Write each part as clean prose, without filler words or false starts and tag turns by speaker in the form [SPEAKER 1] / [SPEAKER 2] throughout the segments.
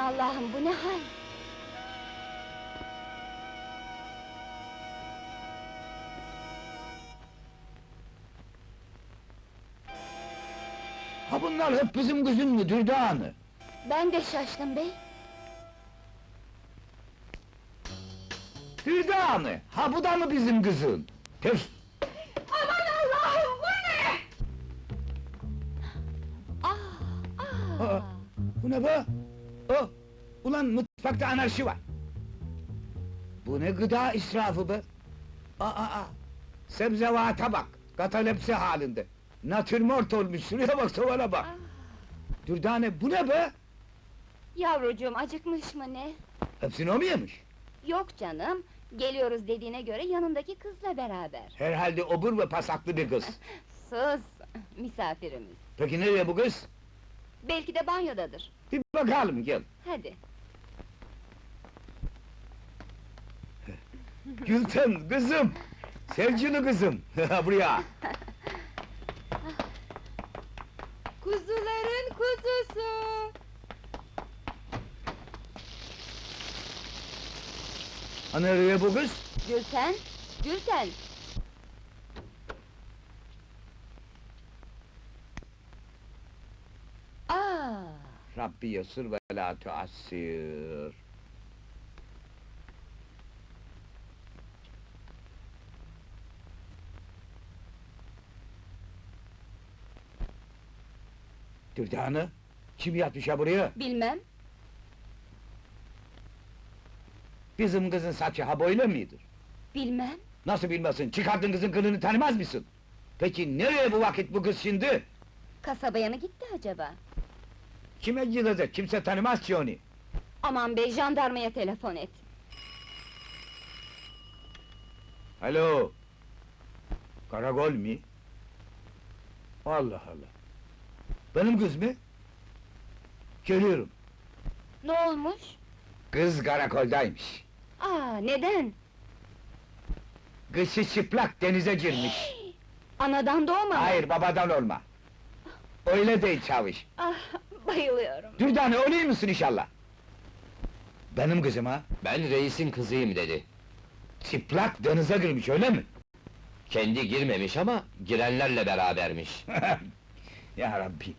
[SPEAKER 1] Allah'ım, bu ne hal?
[SPEAKER 2] Ha bunlar hep bizim kızın mı Dürdane?
[SPEAKER 1] Ben de şaştım bey.
[SPEAKER 2] Dürdane, ha bu da mı bizim kızın? Tef!
[SPEAKER 1] Aman Allah'ım, bu ne?
[SPEAKER 2] Aa, bu ne be? Oh, ulan mutfakta anarşi var! Bu ne gıda israfı be? Sebzevata bak, katalepsi halinde! Natürmort olmuş, şuraya bak, tavana bak! Dürdane, bu ne be?
[SPEAKER 1] Yavrucuğum, acıkmış mı ne?
[SPEAKER 2] Hepsini o mu yemiş?
[SPEAKER 1] Yok canım, geliyoruz dediğine göre yanındaki kızla beraber.
[SPEAKER 2] Herhalde obur ve pasaklı bir kız.
[SPEAKER 1] Sus, misafirimiz.
[SPEAKER 2] Peki nereye bu kız?
[SPEAKER 1] Belki de banyodadır.
[SPEAKER 2] Bir bakalım, gel!
[SPEAKER 1] Hadi.
[SPEAKER 2] Gülten, kızım! Sevgili kızım, buraya!
[SPEAKER 1] Kuzuların kuzusu!
[SPEAKER 2] Ha nereye bu kız?
[SPEAKER 1] Gülten, Gülten!
[SPEAKER 2] Rabbi yasır ve la tuassir. Dürdane, kim yatmış ha buraya?
[SPEAKER 1] Bilmem,
[SPEAKER 2] Bizim kızın saçı ha böyle midir?
[SPEAKER 1] bilmem.
[SPEAKER 2] Nasıl bilmesin, çıkardın kızın kılını tanımaz mısın? Peki nereye bu vakit bu kız şimdi?
[SPEAKER 1] Kasabaya mı gitti acaba?
[SPEAKER 2] Kime gidecek, kimse tanımaz ki onu!
[SPEAKER 1] Aman bey, jandarmaya telefon et.
[SPEAKER 2] Alo! Karakol mi? Allah Allah! Benim kız mı? Geliyorum!
[SPEAKER 1] Ne olmuş?
[SPEAKER 2] Kız karakoldaymış!
[SPEAKER 1] Neden?
[SPEAKER 2] Kışı çıplak denize girmiş!
[SPEAKER 1] Anadan doğma mı?
[SPEAKER 2] Hayır, babadan olma! Öyle değil çavuş!
[SPEAKER 1] Bayılıyorum.
[SPEAKER 2] Dürdane, öyle misin inşallah? Benim kızım ha?
[SPEAKER 3] Ben reisin kızıyım dedi.
[SPEAKER 2] Çıplak denize girmiş, öyle mi?
[SPEAKER 3] Kendi girmemiş ama girenlerle berabermiş.
[SPEAKER 2] Ya Rabbi!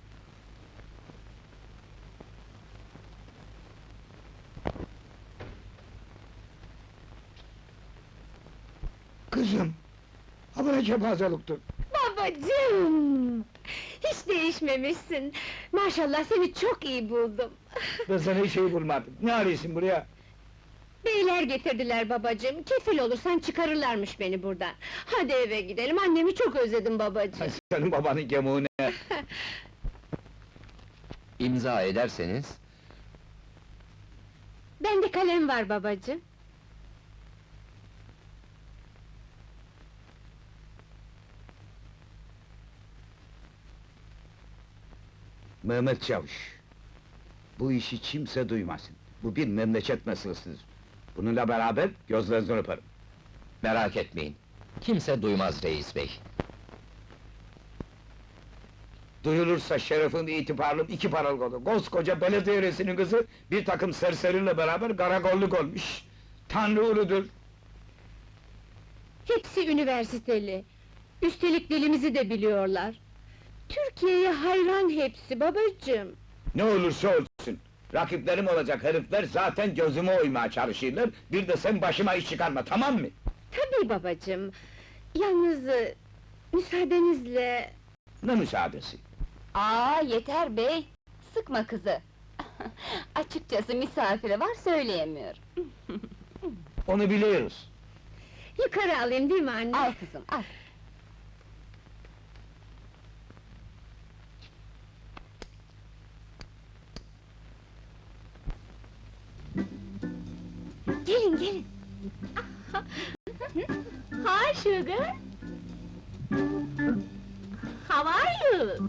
[SPEAKER 2] Kızım! Ha bu ne kepazeliktir?
[SPEAKER 4] Babacığım! Hiç değişmemişsin. Maşallah seni çok iyi buldum.
[SPEAKER 2] Ben sana hiç şey bulmadım. Ne arıyorsun buraya?
[SPEAKER 4] Beyler getirdiler babacığım. Kefil olursan çıkarırlarmış beni buradan. Hadi eve gidelim. Annemi çok özledim babacığım.
[SPEAKER 2] Senin babanın gemuğu ne?
[SPEAKER 3] İmza ederseniz...
[SPEAKER 4] Bende kalem var babacığım.
[SPEAKER 2] Mehmet Çavuş! Bu işi kimse duymasın. Bu bir memleket meselesidir. Bununla beraber gözlerinizden öperim.
[SPEAKER 3] Merak etmeyin. Kimse duymaz reis bey.
[SPEAKER 2] Duyulursa şerefim, itibarım iki paralık olur. Koskoca belediye reisinin kızı, bir takım serseriyle beraber karakolluk olmuş. Tanrı uludur!
[SPEAKER 4] Hepsi üniversiteli. Üstelik dilimizi de biliyorlar. Türkiye'ye hayran hepsi babacığım.
[SPEAKER 2] Ne olursa olsun! Rakiplerim olacak herifler zaten gözüme oymaya çalışırlar, bir de sen başıma iş çıkarma, tamam mı?
[SPEAKER 4] Tabii babacığım. Yalnız... müsaadenizle...
[SPEAKER 2] Ne müsaadesi?
[SPEAKER 1] Yeter bey! Sıkma kızı! Açıkçası misafiri var, söyleyemiyorum.
[SPEAKER 2] Onu biliyoruz.
[SPEAKER 4] Yukarı alayım değil mi anne?
[SPEAKER 1] Al kızım, al!
[SPEAKER 4] Gelin, gelin! Hi, sugar! How are you?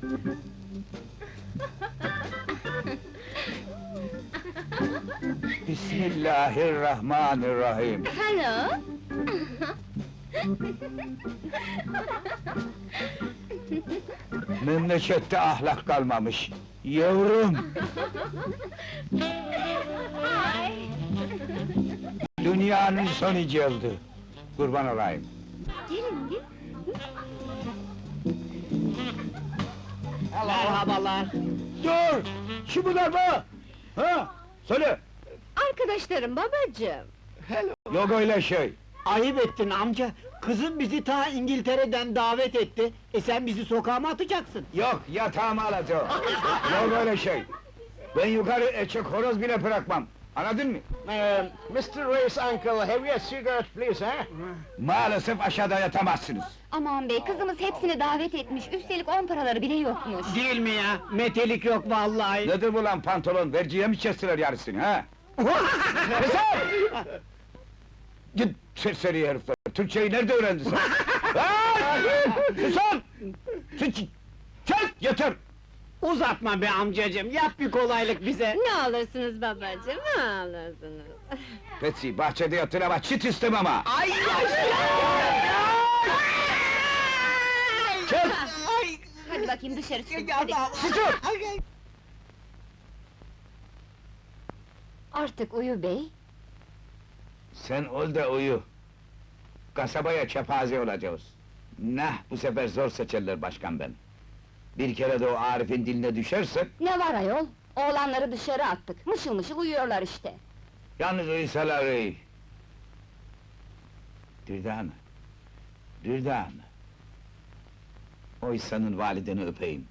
[SPEAKER 2] Bismillahirrahmanirrahim!
[SPEAKER 4] Hello!
[SPEAKER 2] Memlekette ahlak kalmamış. Yavrum! Dünyanın sonu geldi. Kurban olayım.
[SPEAKER 1] Gelin, gelin.
[SPEAKER 4] Merhabalar.
[SPEAKER 2] Dur! Şu bunlar mı? Ha? Söyle!
[SPEAKER 4] Arkadaşlarım babacığım.
[SPEAKER 2] Yok öyle şey.
[SPEAKER 5] Ayıp ettin amca. Kızım bizi ta İngiltere'den davet etti. Sen bizi sokağa mı atacaksın?
[SPEAKER 2] Yok, yatağımı alacağım. Yok öyle şey. Ben yukarı eçek horoz bile bırakmam. Anladın mı?
[SPEAKER 5] Mr. Ray's uncle, have you a cigarette please, ha?
[SPEAKER 2] Maalesef aşağıda yatamazsınız.
[SPEAKER 1] Aman bey, kızımız hepsini davet etmiş, üstelik 10 paraları bile yokmuş.
[SPEAKER 5] Değil mi ya? Metelik yok vallahi.
[SPEAKER 2] Nedir bu lan pantolon? Verciye mi kestiler yarısını ha? Keser! Git serseri herifler! Türkçeyi nerede öğrendin sen? Susun! Çek! Yeter!
[SPEAKER 5] Uzatma be amcacığım, yap bir kolaylık bize.
[SPEAKER 4] Ne alırsınız babacığım, ne alırsınız?
[SPEAKER 2] Betsy, bahçede yatın ama çit istemem ha!
[SPEAKER 5] Ay!
[SPEAKER 2] Çek!
[SPEAKER 1] Hadi bakayım dışarı çıkın,
[SPEAKER 5] Ya
[SPEAKER 1] hadi.
[SPEAKER 2] Susun!
[SPEAKER 1] Artık uyu bey.
[SPEAKER 2] Sen ol da uyu. Kasabaya kepaze olacağız. Nah, bu sefer zor seçerler başkan ben. Bir kere de o Arif'in diline düşersek,
[SPEAKER 1] Ne var ayol? Oğlanları dışarı attık, mışıl mışıl uyuyorlar işte.
[SPEAKER 2] yalnız uyusalar iyi. Dürdane, Dürdane. O İhsan'ın valideni öpeyim.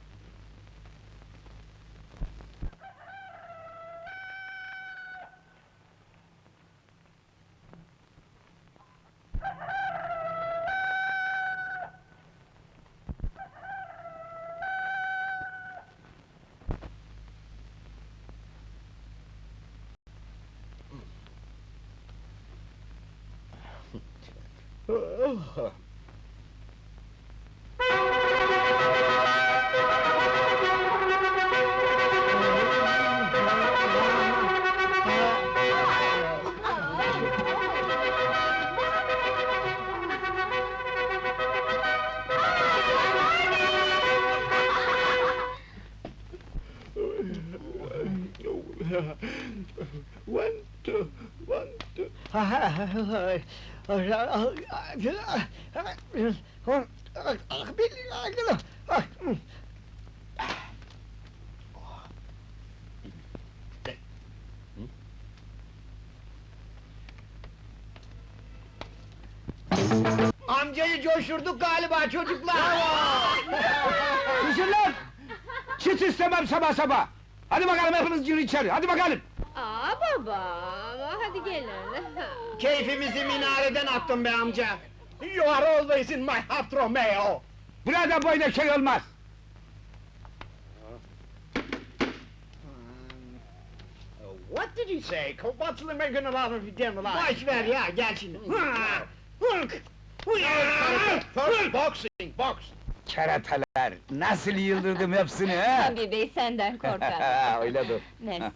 [SPEAKER 5] Amcayı coşturduk galiba çocuklar!
[SPEAKER 2] Susun lan! Çit istemem sabah sabah! Hadi bakalım hepiniz girin içeri, hadi bakalım!
[SPEAKER 4] Aa baba, hadi gelin.
[SPEAKER 5] Keyfimizi minareden attın be amca! You are always in my heart, Romeo!
[SPEAKER 2] Burada böyle şey olmaz!
[SPEAKER 5] What did he say? What's the making a lot of them Boş ver ya, gel şimdi! First boxing, box!
[SPEAKER 2] Keratalar, nasıl yıldırdım hepsini ha?
[SPEAKER 1] Tabii bey, senden korkar.
[SPEAKER 2] Öyledir.
[SPEAKER 1] Mersi.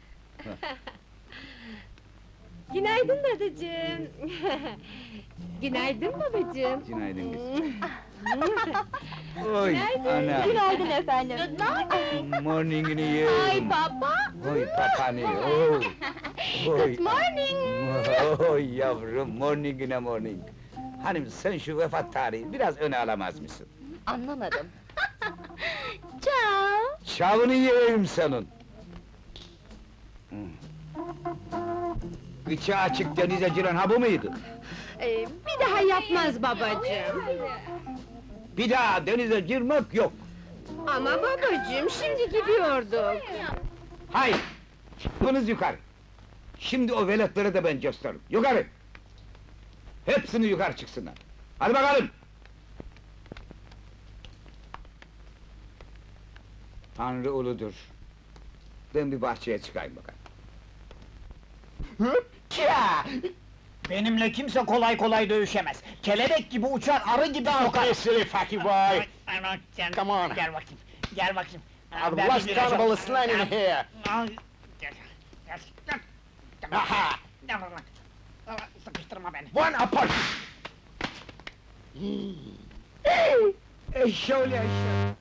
[SPEAKER 4] Günaydın dadacığım. Günaydın babacığım.
[SPEAKER 2] Günaydın kızım. Oy, ana!
[SPEAKER 1] Günaydın efendim.
[SPEAKER 2] Morning'ini
[SPEAKER 1] Ay
[SPEAKER 2] yerim!
[SPEAKER 1] baba!
[SPEAKER 2] Oy papani, oy! Oy!
[SPEAKER 1] Good morning!
[SPEAKER 2] Oy yavrum, morning'ine morning! Hanım sen şu vefat tarihi biraz öne alamaz mısın?
[SPEAKER 1] Anlamadım. Ciao!
[SPEAKER 2] Çavını yiyeyim senin! Gıçı açık denize giren ha bu muydu?
[SPEAKER 4] Bir daha yapmaz babacığım.
[SPEAKER 2] Bir daha denize girmek yok!
[SPEAKER 4] Ama babacığım, şimdi gidiyorduk.
[SPEAKER 2] Hayır! Çıkınız yukarı! Şimdi o veletlere de ben gösteririm, yukarı! Hepsini yukarı çıksınlar! Hadi bakalım! Tanrı uludur! Ben bir bahçeye çıkayım bakalım.
[SPEAKER 5] Hıpça! Benimle kimse kolay kolay dövüşemez. Kelebek gibi uçar, arı gibi kokar.
[SPEAKER 6] Don't silly fucky boy! Come on!
[SPEAKER 5] Gel bakayım, gel bakayım.
[SPEAKER 6] I've
[SPEAKER 5] Ben
[SPEAKER 6] lost
[SPEAKER 5] bir
[SPEAKER 6] count
[SPEAKER 5] viraj-
[SPEAKER 6] of the slang in here! Aha!
[SPEAKER 5] Sıkıştırma beni.
[SPEAKER 6] One apart!
[SPEAKER 2] Eşşoğlu eşşoğlu!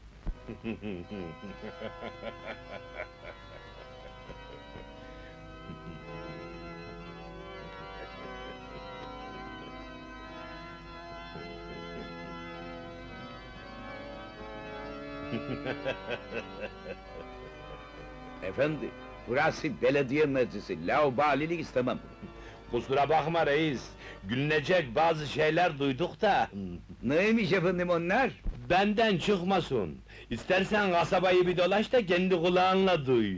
[SPEAKER 2] Efendi, burası belediye meclisi, laubalilik istemem.
[SPEAKER 7] Kusura bakma reis, gülünecek bazı şeyler duyduk da...
[SPEAKER 2] Neymiş efendim onlar?
[SPEAKER 7] ...benden çıkmasın. İstersen kasabayı bir dolaş da kendi kulağınla duy.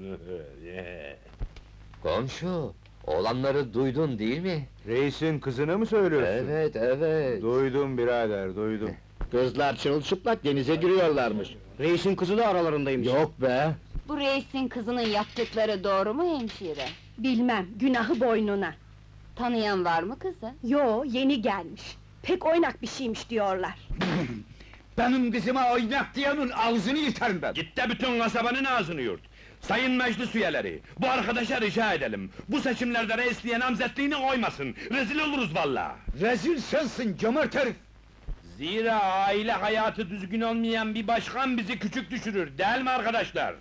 [SPEAKER 3] Komşu, olanları duydun değil mi?
[SPEAKER 6] Reisin kızını mı söylüyorsun?
[SPEAKER 3] Evet, evet.
[SPEAKER 6] Duydum birader, duydum.
[SPEAKER 5] Kızlar çırılçıplak denize giriyorlarmış. Reisin kızı da aralarındaymış.
[SPEAKER 6] Yok be!
[SPEAKER 1] Bu reisin kızının yaptıkları doğru mu hemşire?
[SPEAKER 4] Bilmem, günahı boynuna.
[SPEAKER 1] Tanıyan var mı kızı?
[SPEAKER 4] Yo, yeni gelmiş. Pek oynak bir şeymiş diyorlar.
[SPEAKER 2] Benim kızıma oynak diyenin ağzını yırtarım ben!
[SPEAKER 7] Git de bütün kasabanın ağzını yurt. Sayın meclis üyeleri, bu arkadaşa rica edelim. Bu seçimlerde reisliğe namzetliğini oymasın. Rezil oluruz valla.
[SPEAKER 2] Rezil sensin cömert herif!
[SPEAKER 7] Zira aile hayatı düzgün olmayan bir başkan bizi küçük düşürür, değil mi arkadaşlar?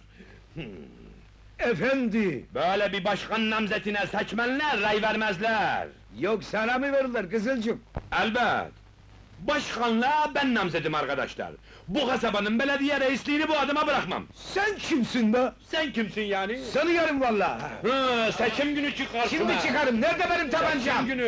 [SPEAKER 2] Efendi!
[SPEAKER 7] Böyle bir başkan namzetine seçmenler ray vermezler.
[SPEAKER 2] Yok sana mı verirler kızılcık?
[SPEAKER 7] Elbet! Başkanlığa ben namzedim arkadaşlar. Bu kasabanın belediye reisliğini bu adama bırakmam.
[SPEAKER 2] Sen kimsin be?
[SPEAKER 7] Sen kimsin yani?
[SPEAKER 2] Seni yarım vallahi!
[SPEAKER 7] Hı, seçim günü çık karşıma!
[SPEAKER 2] Şimdi çıkarım, nerede benim tabancam?
[SPEAKER 7] Seçim günü!